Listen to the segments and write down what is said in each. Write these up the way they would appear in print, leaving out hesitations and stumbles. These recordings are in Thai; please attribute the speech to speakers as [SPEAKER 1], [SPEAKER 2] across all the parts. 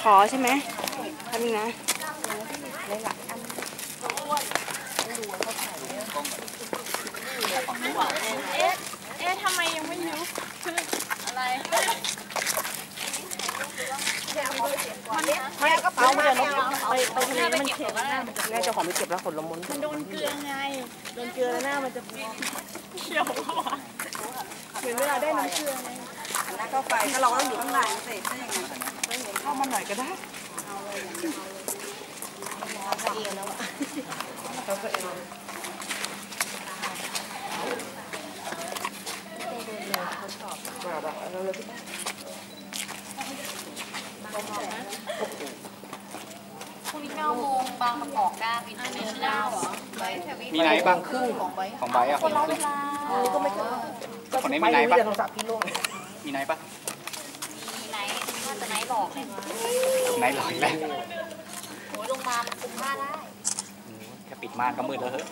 [SPEAKER 1] อใช่ไหมทำยังไง
[SPEAKER 2] ทำไมยังไม่ยุบอะไร
[SPEAKER 1] ไม่กระเป๋ามาไปทะเลมันเข็มหน้ามันจะแม่เจ้าของไม่เก็บแล้วขนลมมัน
[SPEAKER 2] โดนเกลือไงโดนเกลือแล้วหน้ามันจะเขียวเหมือนเวลาได้น้ำเกลือไง
[SPEAKER 1] แล้วก็ไฟก็เราต้องอยู่ข้างในสิถ้าอย่างนั้นเข้ามาหน่อยก็ได้เขาเองแล้วเขาก็เองเขาชอบแบบเราเลย
[SPEAKER 2] พรุ่งนี้9 โมงบางประกอบก้าอินเตอร์เนชั่นแนลเหรอ
[SPEAKER 3] มีไหนบ้างครึ่งของใบอ่ะคนละเวลา
[SPEAKER 1] ก็ไม่
[SPEAKER 3] คนนี้มีไหนบ้างมีไหนปะ
[SPEAKER 2] มีไหนถ้าจะไหนบอกเลย
[SPEAKER 3] ไหนหลอยแล้ว
[SPEAKER 2] โอ้ยลงมาคุมผ้าได้
[SPEAKER 3] แค่ปิดม่านก็มืดแล้วเหรอ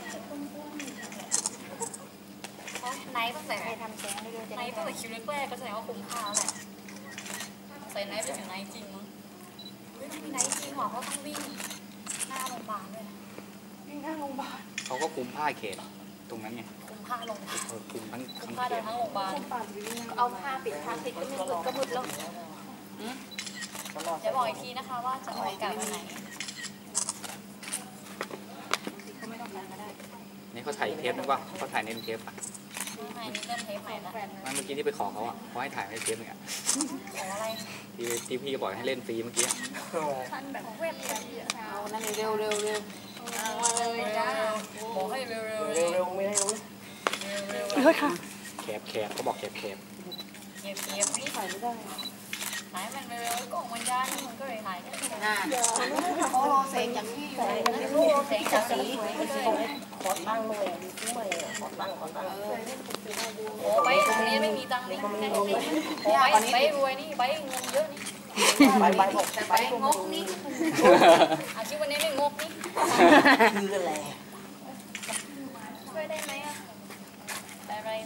[SPEAKER 2] ไหนต้องใส่ทำแสงด้วยไหนต้องใส่คิวแรกก็แสดงว่าคุมผ้าแหละใส่ไหนไปถึงไหนจริงมั้งมีไหนจริงหรอเขาต้องวิ่งหน้าโรงพยาบาลด้วย
[SPEAKER 1] วิ่งหน้าโรงพยาบาล
[SPEAKER 3] เขาก็คุมผ้าเขตตรงนั้นไง
[SPEAKER 2] คุมผ้าโรงพยาบาล
[SPEAKER 3] คุมทั้ง
[SPEAKER 2] ผ้าเดินทั้งโรงพยาบาลเอาผ้าปิดทางติดก็ไม่ก็มืดแล้วจะบอกอีกทีนะคะว่าจะออกอากาศวันไหน
[SPEAKER 3] นี่เขาถ่ายเทปนึกว่าเขาถ่ายในเทปอ่ะ
[SPEAKER 2] ไม่นี่เริ่มเทปใหม่แล้ว
[SPEAKER 3] เมื่อกี้ที่ไปขอเขาอ่ะเขาให้ถ่ายในเทปนึงอ่ะ
[SPEAKER 2] ขออะไร
[SPEAKER 3] ที่พี่ก็บอกให้เล่นฟรีเมื่อกี้
[SPEAKER 2] ท่านแบบเว็บเลย
[SPEAKER 1] เอานั่นเร็ว
[SPEAKER 2] เลยจ้าบอกให้เร็ว
[SPEAKER 1] ไม่ได้รู้
[SPEAKER 3] เฮ้ยค่ะแคบเขาบอกแคบ
[SPEAKER 2] นี่ถ่ายไม่ได้ถ่ายมันเร็วก็มันยากมันก็เลยถ่ายได้โอ้เสียงจากที่เสียงจากสี
[SPEAKER 1] ขอตั้งเลยซื้อใหม่ขอตั้ง
[SPEAKER 2] โอ้ไปตรงนี้ไม่มีตังค์นี่โอ้ไปรวยนี่ไปเงินเยอะนี่ไปงกนี่อาชีพวันนี้ไม่งกนี่
[SPEAKER 1] คืออะไร
[SPEAKER 2] ช่วยได้ไหมอ่ะได้ไร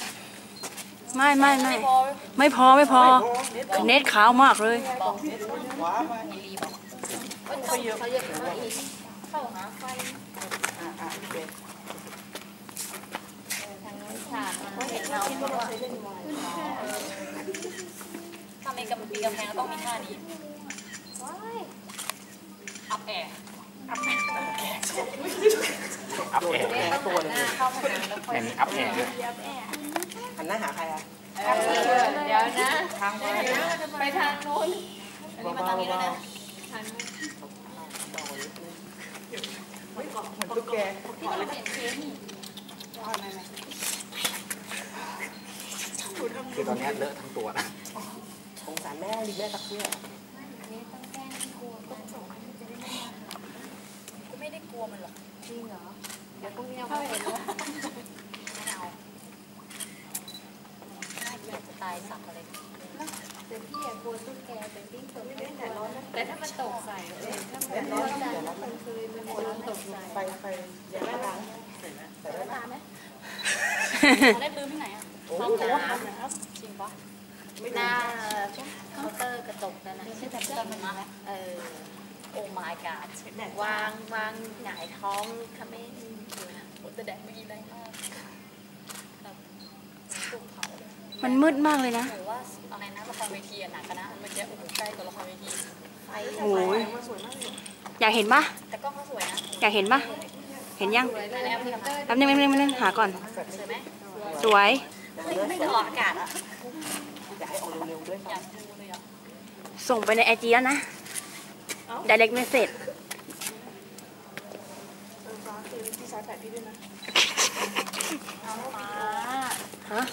[SPEAKER 1] ไม่พอเน็ตขาวมากเลย
[SPEAKER 2] เขาเยอะอีกเข้าหาไฟทางนู้นฉากมันเห็นเงาถ้ามีกำแพงต้องมีท่านี้อัพแอร์
[SPEAKER 3] ตัวเลยแค่นี้อัพแอร์ด้วย
[SPEAKER 1] หันหน้าหาใครอ่ะ
[SPEAKER 2] เดี๋ยวนะทางไปทางโน้นอันนี้มาทางนี้แล้วนะทางนู้น
[SPEAKER 1] เหมือนตุ๊กแก
[SPEAKER 2] ที่เราเห็นเค้กนี่
[SPEAKER 3] คือตอนนี้เลอะทั้งตัวนะ
[SPEAKER 1] สงสารแม่รีบแม่ตักเสื้อ
[SPEAKER 2] นี่ต้องแกล้งกลัวมันก็ไม่ได้กลัวมันหรอกจริงเหรอเดี๋ยวพรุ่งนี้เอาเห็นว่าไม่เอาจะตายสักอะไรแต่พี่อยากกลัวตุ๊กแกแต่พี่ตกไม่ได้ร้อนแต่ถ้ามันตกใส่ถ้ามันร้อนจัดแล้วมันเคยมันตกใส่
[SPEAKER 1] ไฟอย่างนั้นนะ
[SPEAKER 2] แต่ได้ตาไหมได้ปืนที่ไหนอ่ะห้องน้ำจริงปะหน้าเคาน์เตอร์กระจกนั่นนะชื่อแบบต้นมันนะโอ้ my god วางหงายท้องทำให้โอ้แต่แดดเมื่อกี้แรงมาก
[SPEAKER 1] มันมืดมากเลยนะ
[SPEAKER 2] หรือว่าอะไรนะละครเวทีหนักกันนะเมื่อกี้โอ้โหใกล้กับละครเวทีไฟ
[SPEAKER 1] สวยมากอยากเห็นปะ
[SPEAKER 2] แต่กล้องเขาสวยนะ
[SPEAKER 1] อยากเห็นปะเห็นยังแป๊บนึงหาก่อน
[SPEAKER 2] สวยไหม
[SPEAKER 1] สวย
[SPEAKER 2] ไม่จะออกอากาศอ่ะ
[SPEAKER 1] อยากให้ออกเร็วๆด้วย
[SPEAKER 2] อยากดูเลยอ่ะ
[SPEAKER 1] ส่งไปในIGแล้วนะ direct message
[SPEAKER 2] พี่ชาร์จแบตพี่ด้วยนะ
[SPEAKER 1] ฮะ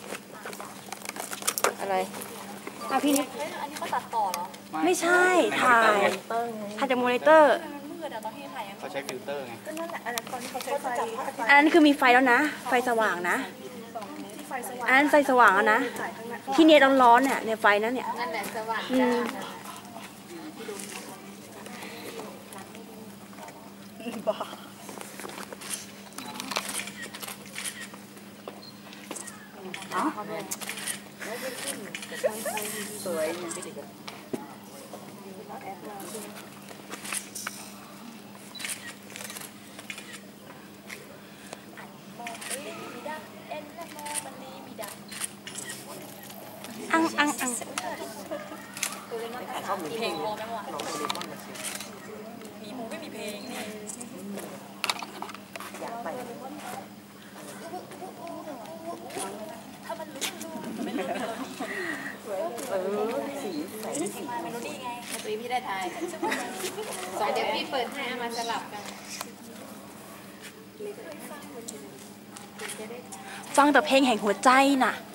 [SPEAKER 1] อะไรพี่นี่
[SPEAKER 2] อันนี้เขาตัดต่อเหรอ
[SPEAKER 1] ไม่ใช่ถ่ายจากมอนิเตอร์
[SPEAKER 3] เขาใช้ฟิลเตอร์ไง
[SPEAKER 2] ก็นั่นแหละอันนั้นตอนที่เขาใช้ไฟ
[SPEAKER 1] อันนั้นคือมีไฟแล้วนะไฟสว่างนะอันนั้นไฟสว่างแล้วนะที่เนี่ยร้อนๆเนี่ยในไฟนั้นเนี่ย
[SPEAKER 2] นั่นแหละสว่าง
[SPEAKER 1] บ้าสวยอัง
[SPEAKER 2] เพลงพอไหมวะมีมูไม่มีเพลงนี่
[SPEAKER 3] อยากไป สีใสสี
[SPEAKER 2] มาเมโลดี้ไงดนตรีพี่ได้ทายเดี๋ยวพี่เปิดให้เอามาสลับกัน
[SPEAKER 1] ฟังแต่เพลงแห่งหัวใจน่ะ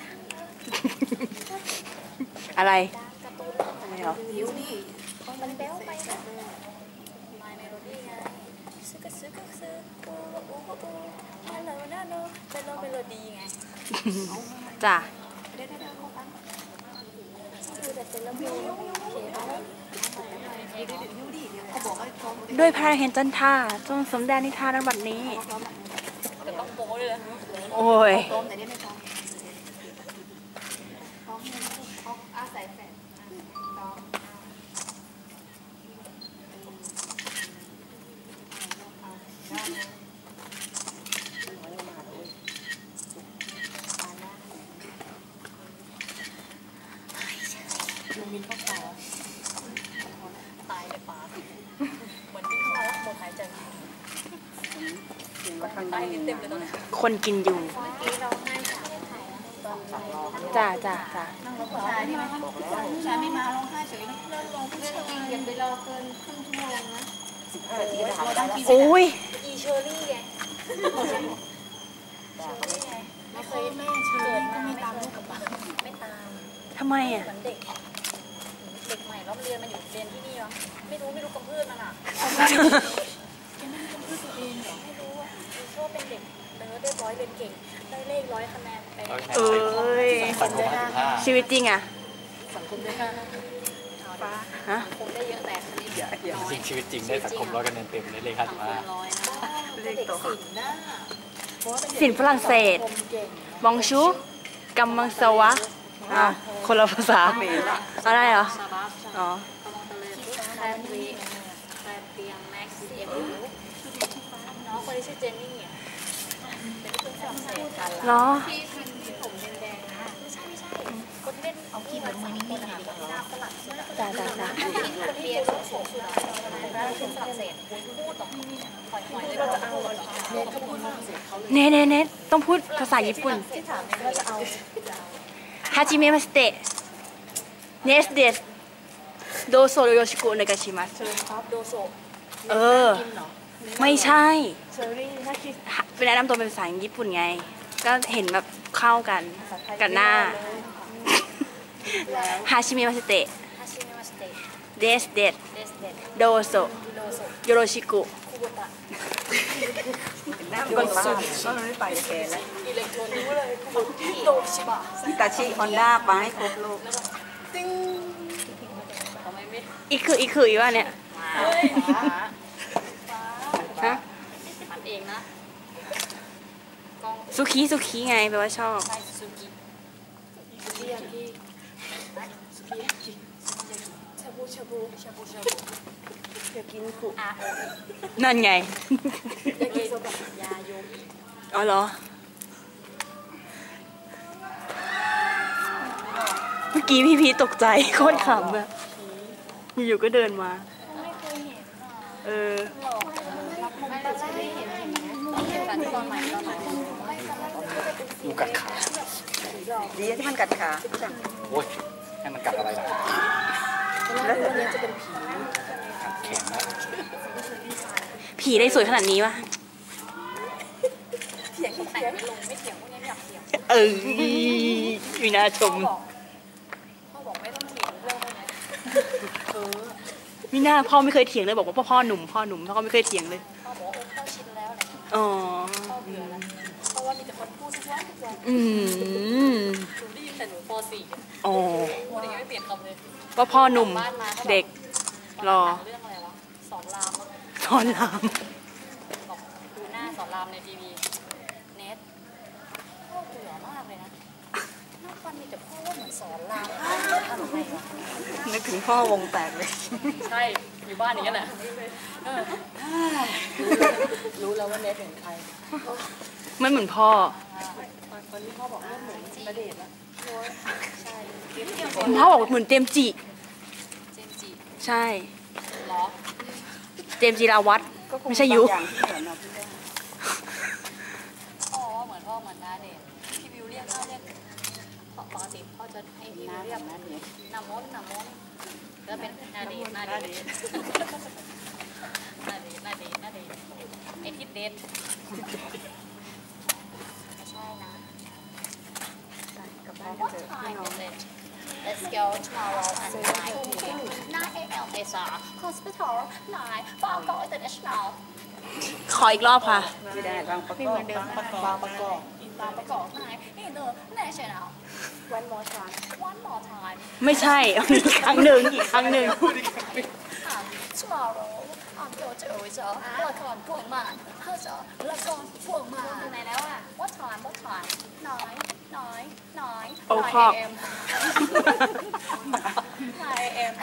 [SPEAKER 1] อะไรอะไรเหรอ
[SPEAKER 2] หิวดิมันแบ๊วไปนะมาเมโลดี้ไงซึกซึกซึกอูอูอูฮัลโหลนะโนเป็นเมโลดี้ไง
[SPEAKER 1] จ้ะ
[SPEAKER 2] ได้เขาฟังคือแต่เป็นแล้วมีเขียนเอาเขาบอกให้พร้อม
[SPEAKER 1] ด้วยพระเห็นจันทราจงสมแดนนิทานในบัดนี้
[SPEAKER 2] แต่ต้องโป๊เลย
[SPEAKER 1] โอ้ย
[SPEAKER 2] พร้อมแต่ได้ไม่พร้อมพร้อมอาศัยแฟนน้องมินเข้าป่าตายในป่าเหมือนที่เขาหมดหายใจตายเต็มเลยตอนนี้
[SPEAKER 1] คนกินยุง
[SPEAKER 2] เมื่อกี้เราให้สาวถ่ายตอน
[SPEAKER 1] จ้ะ
[SPEAKER 2] นั่งรถผู้ชายใช่ไหมผู้ชายไม่มาร้องไห้เฉยเลิกร้องผู้ชายอย่าไปรอเกินครึ่งชั่วโมงนะ
[SPEAKER 3] 15 นาทีก็ถ่ายได้แล้ว
[SPEAKER 1] โอ้ย
[SPEAKER 2] อีเชอรี่ไงไม่เคยแม่เชอรี่ก็ไม่ตามลูกกับบ้านไม่ตาม
[SPEAKER 1] ทำไมอ่ะ
[SPEAKER 2] เหมือนเด็กใหม่แล้วเรียนมันอยู่เรียนที่นี่วะไม่รู้กำพืชมันอ่ะไม่รู้อ่ะชอบเป็นเด็กเนิร์ดเรียบร้อยเรียนเก่งได้เลข100 คะแนนไป
[SPEAKER 1] เอ้ย
[SPEAKER 4] สังคม55
[SPEAKER 1] ชีวิตจริงอ่ะ
[SPEAKER 2] สังคมได้ค่ะ
[SPEAKER 1] ฮะ
[SPEAKER 2] สังคมได้เยอะแต่คณิตน้อย
[SPEAKER 4] จริงชีวิตจริงได้สังคม100 คะแนนเต็มเลยเลข
[SPEAKER 2] สังคมน้อยนะเด็กศิลป์นะ
[SPEAKER 1] สินฝรั่งเศส บองชูกัมมังสวะอ้าวคนละภาษาอะไรเหรอ
[SPEAKER 2] ซาบาส
[SPEAKER 1] อ๋อ
[SPEAKER 2] กำลังตะเลยแคลรีแคลเตียงแม็กซ์เอ็มน้องคนที่ชื่อเจนนี่อ่ะเป็นคนฝรั่งเศสกัน
[SPEAKER 1] เหรอ
[SPEAKER 2] ที่ผมแดงๆนะไม่ใช่คนที่เล่นเอาที่เหมือนมือนี่นะคะหน้าฝรั่งเศส
[SPEAKER 1] จ้ะ
[SPEAKER 2] คนที่เรียนสูงสุดนะเป็นฝรั่งเศสพูดต่อหอยๆเลยก็จะเอาเนทเขาพูดฝรั่งเศสเขาเลย
[SPEAKER 1] เนต้องพูดภาษาญี่ปุ่น
[SPEAKER 2] ที่ถามเนี่ยว่าจะเอา
[SPEAKER 1] ฮาจิเมะมาสเตะเนสเดสโดโซโยชิโกะโอเนกาชิมัส
[SPEAKER 2] โดโซ
[SPEAKER 1] เออ
[SPEAKER 2] กินเหรอ
[SPEAKER 1] ไม่ใช่
[SPEAKER 2] เชอรี่น่าคิด
[SPEAKER 1] เป็นแนะนำตัวเป็นภาษาญี่ปุ่นไง ก็เห็นแบบเข้ากันกับหน้าฮาชิเมะมาสเตะ
[SPEAKER 2] ฮาชิเมะมาสเตะ
[SPEAKER 1] เดสเดส
[SPEAKER 2] เดสเดด
[SPEAKER 1] โดโซ
[SPEAKER 2] โดโซ
[SPEAKER 1] โยโรชิโกะ
[SPEAKER 2] คูโบตะ
[SPEAKER 3] หน้าคนบ้าก็ไม่ไปแกแล้ว
[SPEAKER 2] อิเล็กโทรรู้เลยโดชิบะ
[SPEAKER 3] ฮิตาชิฮอนด้าไปให้ครบลูก
[SPEAKER 2] ติ้งทำไมไม่
[SPEAKER 1] อีคืออีว่าเนี่ย
[SPEAKER 2] เฮ้ย
[SPEAKER 1] ฮะ
[SPEAKER 2] มันเองนะกล้อง
[SPEAKER 1] สุคีไงแปลว่าชอบ
[SPEAKER 2] ใช่ซูกิซูกิยากิซูกิยากิชาบูอยากกินคุอาโอ
[SPEAKER 1] นั่นไง
[SPEAKER 2] อยากกินโซบะยาโยอิ
[SPEAKER 1] อ๋อเหรอ เมื่อกี้พี่พีตกใจโคตรขำอะอยู่ๆก็เดินมา
[SPEAKER 2] ไม่เคยเห็นอ่ะ
[SPEAKER 1] เออ
[SPEAKER 2] หลอกไม่ได้เห็นกันตอนใหม่ตอนใหม่ไม่ตอนแรกก็จะเป็น
[SPEAKER 4] งูกัดขา
[SPEAKER 3] ดีที่มันกัดขาจัง
[SPEAKER 4] โอ้ยให้มันกัดอะไรล่ะ
[SPEAKER 3] แล้วแต่
[SPEAKER 2] นี้จะเป็นผี
[SPEAKER 4] กัดแขนนะ
[SPEAKER 1] ผีได้สวยขนาดนี้วะ
[SPEAKER 2] เถียงแต่งไม่ลงไม่เถียงพวกนี้ไม่อยากเถียง
[SPEAKER 1] เออมีน่าชม
[SPEAKER 2] พ่อบอกไม่ต้องเถียงเรื่องพวกนี้
[SPEAKER 1] มีหน้าพ่อไม่เคยเถียงเลยบอกว่าพ่อหนุ่มพ่อก็ไม่เคยเถียงเลย
[SPEAKER 2] พ่อบอกว่าพ่อชินแล้วอะไร
[SPEAKER 1] อ๋อ
[SPEAKER 2] พ่อเบื่อแล้วเพราะว่ามีแต่คนพูดทุกวัน
[SPEAKER 1] อืม
[SPEAKER 2] หนูได้ยินแต่หนูป .4
[SPEAKER 1] อ๋อ
[SPEAKER 2] พูดอย่างนี้ไม่เปลี่ยนคำเลย
[SPEAKER 1] ว่าพ่อหนุ่ม
[SPEAKER 2] บ้านมาก็แบบ
[SPEAKER 1] เด็ก รอ
[SPEAKER 2] เรื่องอะไรวะสอนรามมั้ง
[SPEAKER 1] สอนราม
[SPEAKER 2] บอกดูหน้าสอนรามในทีวีเน็ตพ่อเบื่อมากเลยนะน่าอนมีแต่พ่อว่าเหมือนสอนรามทำไมวะ
[SPEAKER 1] นึกถึงพ่อวงแตกเลย
[SPEAKER 3] ใช่อยู่บ้านอย่างนี้แหละรู้แล้วว่าเน็ตเป็นใคร
[SPEAKER 1] ไม่เหมือนพ่อ
[SPEAKER 3] คนที่พ่อบอกว่าเหมือนณเดชน์นะ
[SPEAKER 2] ใช่
[SPEAKER 1] พ่อบอกเหมือนเจมส์จิ
[SPEAKER 2] เจมส์จิ
[SPEAKER 1] ใช่
[SPEAKER 2] เหรอ
[SPEAKER 1] เจมส์จิราวัฒน์ไม่ใช่ยุ
[SPEAKER 2] อ๋อเหมือนพ่อเหมือนนาเดชน์พี่วิวเรียกพ่อเรียกปกติพ่อจะให้พี่วิวเรียกนามนก็เป็นนาเดชน์ไอทิดเดชไม่ใช่นะกับบ้านกันเถอะพี่น้อง Let's go tomorrow and 9 a.m. is a hospital 9 Bangkok International
[SPEAKER 1] ขออีกรอบค่ะ
[SPEAKER 3] ไม่ได้บางประกอบบางประกอบ
[SPEAKER 2] บางประกอบ9 International One more time
[SPEAKER 1] ไม่ใช่ อีกครั้งหนึ่งอีกครั้งหนึ่ง
[SPEAKER 2] Tomorrow I'm going to ละครพวงมันละครพวงมันไหนแล้วอ่ะ What time 9
[SPEAKER 1] โอ้ครอบ
[SPEAKER 2] a.m. 9 a.m.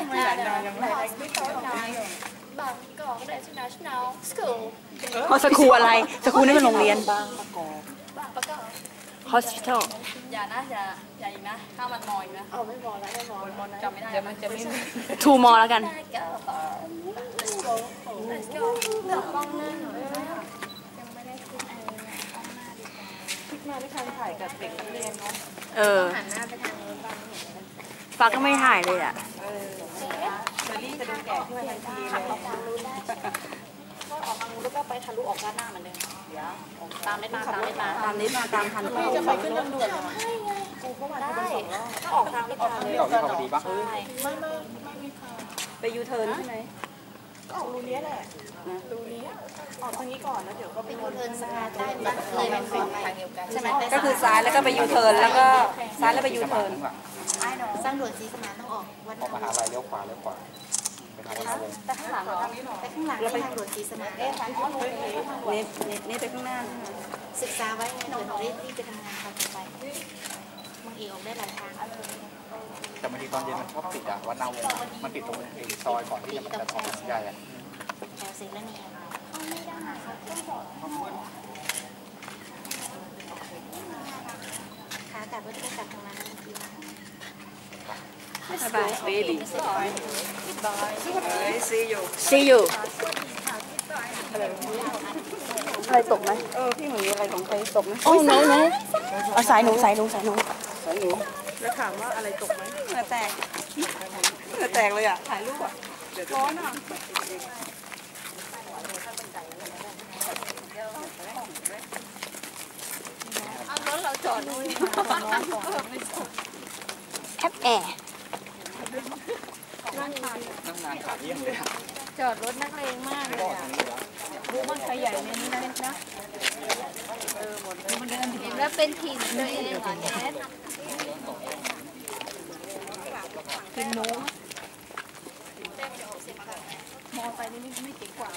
[SPEAKER 2] บางกอก International School
[SPEAKER 1] พอสคูลอะไร สคูลนี่เป็นโรงเรียน
[SPEAKER 3] บางประกอบ
[SPEAKER 2] บางประกอบ
[SPEAKER 1] hospital
[SPEAKER 2] อย่านะอย่าอีกนะถ้ามันมอยนะเอาไม่มอแล้วจำไม่ได้
[SPEAKER 3] เดี๋ยวมันจะไม่
[SPEAKER 1] two more แล้วกัน
[SPEAKER 2] Let's go เลือกกล้องหน้าหน่อยยังไม่ได้ขึ้นกล้องหน้าดีกว่า
[SPEAKER 3] คิดมาไม่ทันถ่ายกับเด็กนักเรียนเนาะ
[SPEAKER 1] เออ
[SPEAKER 2] หันหน้าไปทางนู้นบ้างเห็นไหม
[SPEAKER 1] ฟ้าก็ไม่ถ่ายเลยอ่ะ
[SPEAKER 3] เชอรี่จะดูแก่ขึ้นมาทันที
[SPEAKER 2] ขับ
[SPEAKER 3] เล
[SPEAKER 2] ออย กทางนู้นได้ก็ออกทางนู้นแล้วก็ไปทะลุออกด้านหน้าเหมือนเดิมตามได้มาตามนี้มาตามทัน
[SPEAKER 3] พี่จะไปขึ้นทางด่วนเหรอ
[SPEAKER 2] ให้ไง
[SPEAKER 3] กูเข้ามา
[SPEAKER 2] ได้
[SPEAKER 3] ทางสองรอบ
[SPEAKER 2] ก็ออกทางนี้มา
[SPEAKER 4] ที่เราที่เขาดีปะ
[SPEAKER 2] ใช่
[SPEAKER 3] ไม่มีค่ะ
[SPEAKER 1] ไปยูเทิร์นใช่ไหม
[SPEAKER 3] ก็ออกรูนี้แหละรูนี้ออกทางนี้ก่อนแล้วเดี๋ยวก็ไป
[SPEAKER 2] เป็นยูเทิร์นสกาใต้บ้านเลยเป็นฝั่งทางเดียวกันใช่ไหม
[SPEAKER 1] ก็คือซ้ายแล้วก็ไปยูเทิร์นแล้วก็ซ้ายแล้วไปยูเทิร์น
[SPEAKER 2] ไอ้หนูสร้างด่วนศรีสมานต้องออกวัน
[SPEAKER 4] ออกมหาลัยเลี้ยวขวาเป็นทางวนวง
[SPEAKER 2] แต่ข้างหลังแต่ข้างหลังทางด่วนศรีสมาน
[SPEAKER 1] นี่ไปข้างหน้าใช่ไหม
[SPEAKER 2] ศึกษาไว้ไงเผื่อเราได้รีบไปทำงานตอนต่อไปบางทีออกได้หลายทาง
[SPEAKER 4] แต่บางทีตอนเย็นมันชอบปิดอ่ะวัดนาวงมันปิดตรงซอยก่อนที่มันจะออกถนนใหญ่อ่ะ
[SPEAKER 2] แถวศิลนีเข้าไม่ได้ขากลับก็จะได้กลับทางนั้นที
[SPEAKER 1] บาย baby
[SPEAKER 2] Bye.
[SPEAKER 1] see you อะไรตกไหม
[SPEAKER 3] พี่เหมือนมีอะไรของใครตกไหม
[SPEAKER 1] โอ้ no no เอาสายหนู
[SPEAKER 3] สายหนูแล้วถามว่าอะไรตกไหมเหงื่อแตกเหงื่อแตกเลยอ่ะถ่ายรูปอ่ะร้อนอ่ะ
[SPEAKER 2] เอารถเราจอดนู่น
[SPEAKER 1] แอปแอร์
[SPEAKER 4] นั่งนานขาเยี่ยมเลยอ่ะ
[SPEAKER 2] จอดรถนักเลงมากเลยอ่ะดูมันขยายในนี้นะมันเดินถึงแล้วเป็นถิ่นตัวเองเหรอแจ๊ดเป็นหนูมอไปนี่ไม่เจ๋งกว่า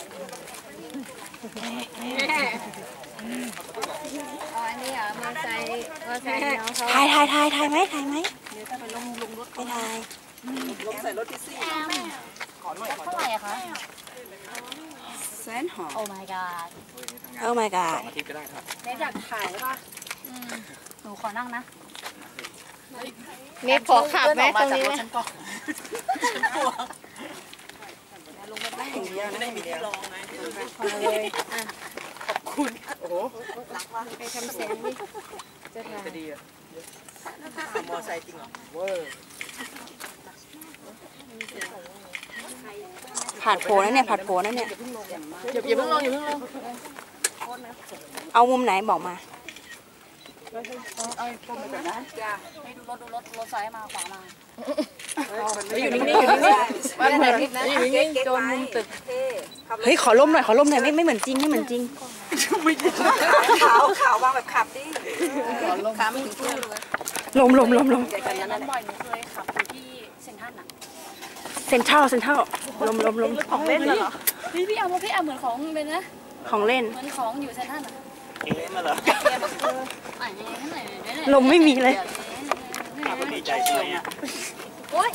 [SPEAKER 2] อ๋ออันนี้เหรอมอไซค์น้องเขา
[SPEAKER 1] ถ่ายไหมไม่ถ่าย
[SPEAKER 3] ลงใส่รถที่ซี่
[SPEAKER 2] เท่าไหร่อะคะ
[SPEAKER 3] แสนหอม
[SPEAKER 2] โอ้ my god
[SPEAKER 1] oh my god
[SPEAKER 4] อาทิตย์ก็ได้ครับ
[SPEAKER 3] เน็ตอยากถ่ายป่ะ
[SPEAKER 2] หนูขอนั่งนะ
[SPEAKER 1] เน็ตขอขับไหมตรงนี้ไหม
[SPEAKER 3] อย่างเดียวนะไม่มีที่รองไง
[SPEAKER 1] เลยอ่ะ
[SPEAKER 3] โอ้โหรักว่ะ
[SPEAKER 2] ไปทำเสียงดิจะถ่าย
[SPEAKER 3] จะดีอ่ะมอไซค์จริงเหรอเวอร์
[SPEAKER 1] ผ่านโผล่นั่นเนี่ยผ่านโผล่นั่นเนี่ย
[SPEAKER 3] อย่าเพิ่งลงอย่าเพิ่งลง
[SPEAKER 1] เอามุมไหนบอกมา
[SPEAKER 3] เอาปมไปแบบนั้นจ้า
[SPEAKER 2] ไม่ดูรถซ้ายมาขวามา
[SPEAKER 3] อยู่นิ่งๆอยู่นิ่งๆบ้านไหนอยู่นิ่งๆโจนมุมตึก
[SPEAKER 1] เฮ้ยขอล่มหน่อยไม่เหมือนจริง
[SPEAKER 3] ขาววางแบบขับดิขาไม่ถึงที่เลย
[SPEAKER 1] ลม
[SPEAKER 2] นั้นบ่อยหนูเคยขับอยู่ที่เซ็นทรัลน่ะ
[SPEAKER 1] เซ็นทรัลลม
[SPEAKER 3] ของเล่นเหรอ
[SPEAKER 2] พี่เอาเหมือนของเป็นนะ
[SPEAKER 1] ของเล่น
[SPEAKER 2] เหมือนของอยู่เซ็นทรัลน่ะ
[SPEAKER 4] เอ๊ะมาเหรอ
[SPEAKER 2] ไหน
[SPEAKER 1] ลมไม่มีเลย
[SPEAKER 2] เ
[SPEAKER 4] ใจใช่ไหม
[SPEAKER 2] โอ๊ย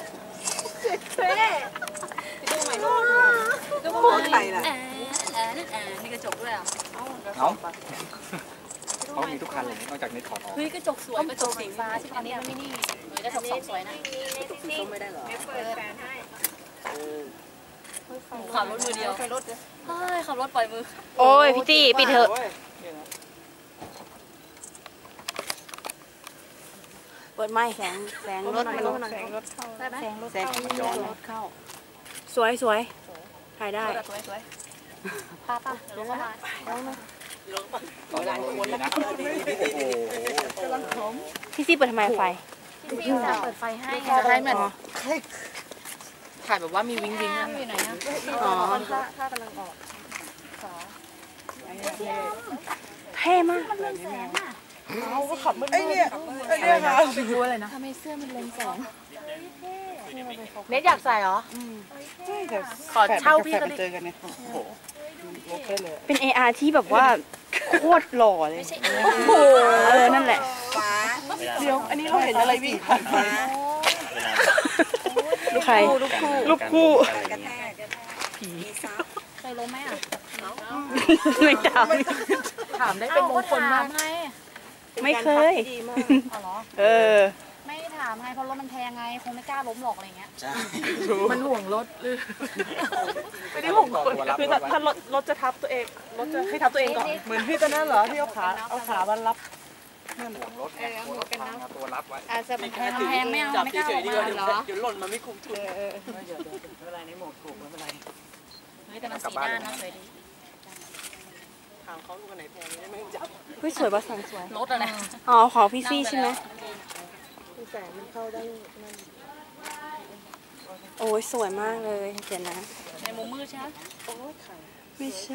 [SPEAKER 3] ก็พูดใครล่ะ
[SPEAKER 2] นี่กระจกด้วยอ่ะ
[SPEAKER 4] เขามีทุกคันเลยนอกจากนี้ถอดออก
[SPEAKER 2] เฮ้ยกระจกสวยกระจกสีฟ้าใช่ไหมอันนี้มันไม่นี่กระจกสองสวยนะ
[SPEAKER 3] ไม่ได้หรอ
[SPEAKER 2] ขับรถมือเดียวขับรถขับรถปล่อยมือ
[SPEAKER 1] โอ้ยพี่จี้ปิดเถอะเปิดไม้แสงรถมัน
[SPEAKER 3] แสงรถเข้า
[SPEAKER 2] ได้ไหม
[SPEAKER 1] แสงรถเข้าสวยถ่ายได้
[SPEAKER 2] สวยสวยป้าเดี๋ยวลงมา
[SPEAKER 4] ต่อหลายคนนะโอ้โห
[SPEAKER 1] พี่จี้เปิดทำไมไฟ
[SPEAKER 2] พี่สาวเปิดไฟให้ไฟเหมือนถ่ายแบบว่ามีวิงวิงอ่ะอยู่ไหนอ่ะ
[SPEAKER 1] อ๋อ
[SPEAKER 3] ถ้ากำลังออก
[SPEAKER 1] เท่มาก
[SPEAKER 3] เอาก็ขับมืดไอ้เนี่ยค่ะ
[SPEAKER 2] ทำไมเสื้อมันเลนแสง
[SPEAKER 5] เน็ตอยากใส่เหรอ
[SPEAKER 3] ขอเช่าพี่ก็เจอกันเนี่ยโอ้โหโอเคเลย
[SPEAKER 1] เป็น AR ที่แบบว่าโคตรหล่อเลยนั่นแหละ
[SPEAKER 3] เดี๋ยวอันนี้เราเห็นอะไรวิ่งผ่านมา
[SPEAKER 1] ใครลูกคู่
[SPEAKER 2] เคยล้มไหมอ่ะ
[SPEAKER 1] ไม่จ
[SPEAKER 5] ถามได้เป็นมงคลมาก
[SPEAKER 2] ไง
[SPEAKER 1] ำไม่เคย
[SPEAKER 2] อ๋อเหรอ
[SPEAKER 1] เออ
[SPEAKER 2] ไม่ถามไงเพราะรถมันแพงไงคงไม่กล้าล้มหรอกอะไรเงี้ย
[SPEAKER 5] มันห่วงรถหรือ
[SPEAKER 3] ไม่ได้ห่วงคนคือถ้ารถจะทับตัวเองรถจะให้ทับตัวเองก่อนเหมือนพี่ตอนนั้นเหรอที่เอาขามารับ
[SPEAKER 4] ห่วงรถเนี่ยตัวรับไว้
[SPEAKER 2] อาจจะเป็นแพงไม่เอาไม่กล้าออกมาเหรอ
[SPEAKER 3] เดี๋ยวหล่นมาไม่คุ้มทุน
[SPEAKER 4] ไม่เป็นไรในโหมดถูกไม่เป็นไร
[SPEAKER 2] เฮ้ยแต่มันสีหน้านะสวยดี
[SPEAKER 3] ถามเขาดูกันไหนแพงนี่ไม่จับ
[SPEAKER 1] เฮ้ยสวยป่ะแสงสวย
[SPEAKER 2] รถอะไร
[SPEAKER 1] อ๋อของพี่ซี่ใช่ไหม
[SPEAKER 3] แสงมันเข้าได้
[SPEAKER 1] โอ้ยสวยมากเลยเดี๋ยวนะ
[SPEAKER 2] ในมุมมืดใช่ไหม
[SPEAKER 1] ไม่ใช่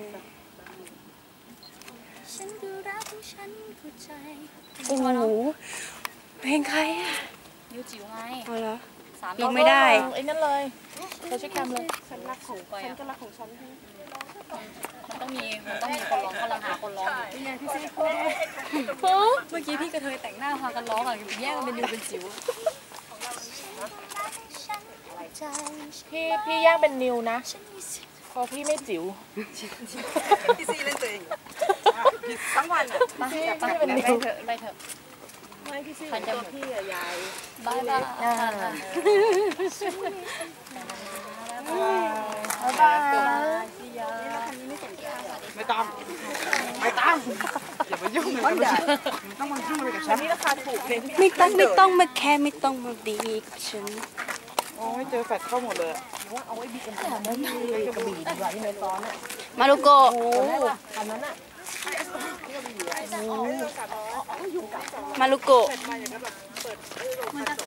[SPEAKER 2] ฉันดูรักของฉันเข้าใจ
[SPEAKER 1] โอ้โหเพลงใครอ่ะ
[SPEAKER 2] นิ้วจิ๋วไง
[SPEAKER 1] เอาเหรอ
[SPEAKER 2] สาม
[SPEAKER 1] ยังไม่ได้
[SPEAKER 5] ไอ้นั่นเลยเขาใช้แคมเลย
[SPEAKER 2] ฉันรักสูงไป
[SPEAKER 3] ฉัน
[SPEAKER 2] อ่ะ
[SPEAKER 3] ก็รักของฉัน
[SPEAKER 2] มันต้องมีคนร้องกำลังหาคนร้องอยู่
[SPEAKER 3] นี่ไงพี่ซี่พูด
[SPEAKER 2] เมื่อกี้พี่กระเทยแต่งหน้าพากันร้องอ่ะแยกกันเป็นนิวเป็นจิ๋ว
[SPEAKER 5] พี่ย่างเป็นนิวนะเพราะพี่ไม่จิ๋ว
[SPEAKER 3] พี่ซี่เล่นตัวเองทั้งวันอ่ะ
[SPEAKER 2] ไปเป็นนิวไปเถอะ
[SPEAKER 3] ไม่พี่ซี่เป็นพี่อะยาย
[SPEAKER 2] บายบาย
[SPEAKER 3] ไม่ต้องอย่ามายุ่งมันใหญ่ต้องมายุ่งอะไรกับฉันนี่ราคาถูกเลย
[SPEAKER 1] ไม่ต้องมาแค่ไม่ต้องมาดีกับฉัน
[SPEAKER 3] โอ้ยเจอแฟดเข้าหมดเลย
[SPEAKER 1] มาลูโกะ มาลูโกะ